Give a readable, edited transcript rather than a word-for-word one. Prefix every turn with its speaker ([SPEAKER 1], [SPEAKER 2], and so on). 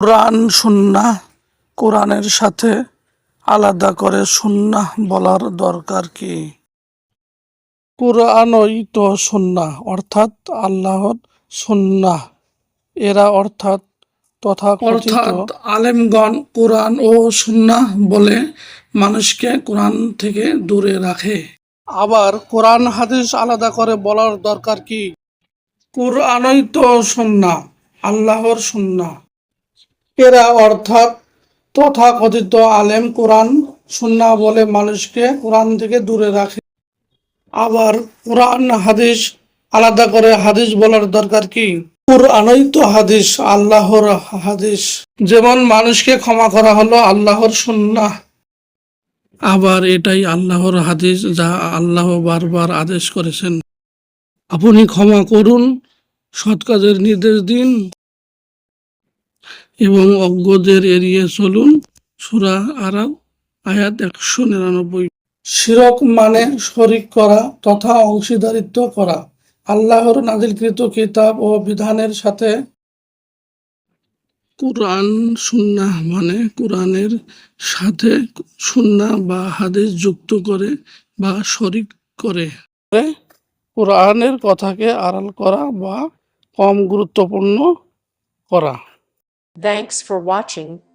[SPEAKER 1] কোরআন সুন্নাহ কোরআনের সাথে আলাদা করে সুন্নাহ বলার দরকার কি? কুরআনই তো সুন্নাহ অর্থাৎ আল্লাহর সুন্নাহ। এরা অর্থাৎ তথাকথিত আলেমগণ কোরআন ও সুন্নাহ বলে মানুষকে কোরআন থেকে দূরে রাখে। আবার কোরআন হাদিস আলাদা করে বলার দরকার কি? কোরআনই তো সুন্নাহ, আল্লাহর সুন্নাহ। এরা অর্থাৎ তথাকথিত আলেম কোরআন সুন্নাহ বলে মানুষকে কোরআন থেকে দূরে রাখে। আবার কোরআন হাদিস আলাদা করে হাদিস বলার দরকার কি? কোরআনই তো হাদিস, আল্লাহর হাদিস। যেমন মানুষকে ক্ষমা করা হলো আল্লাহর সুন্নাহ, আবার এটাই আল্লাহর হাদিস যা আল্লাহ বারবার আদেশ করেছেন। আপনি ক্ষমা করুন, সৎ কাজের নির্দেশ দিন এবং অজ্ঞদের এড়িয়ে চলুন। সূরা আরাফ আয়াত 199। শিরক মানে শরিক করা তথা অংশীদারিত্ব করা আল্লাহর নাজিলকৃত কিতাব ও বিধানের সাথে। কুরআন সুন্নাহ মানে কুরআনের সাথে সুন্নাহ বা হাদিস যুক্ত করে বা শরিক করে কুরআনের কথাকে আড়াল করা বা কম গুরুত্বপূর্ণ করা।
[SPEAKER 2] Thanks for watching.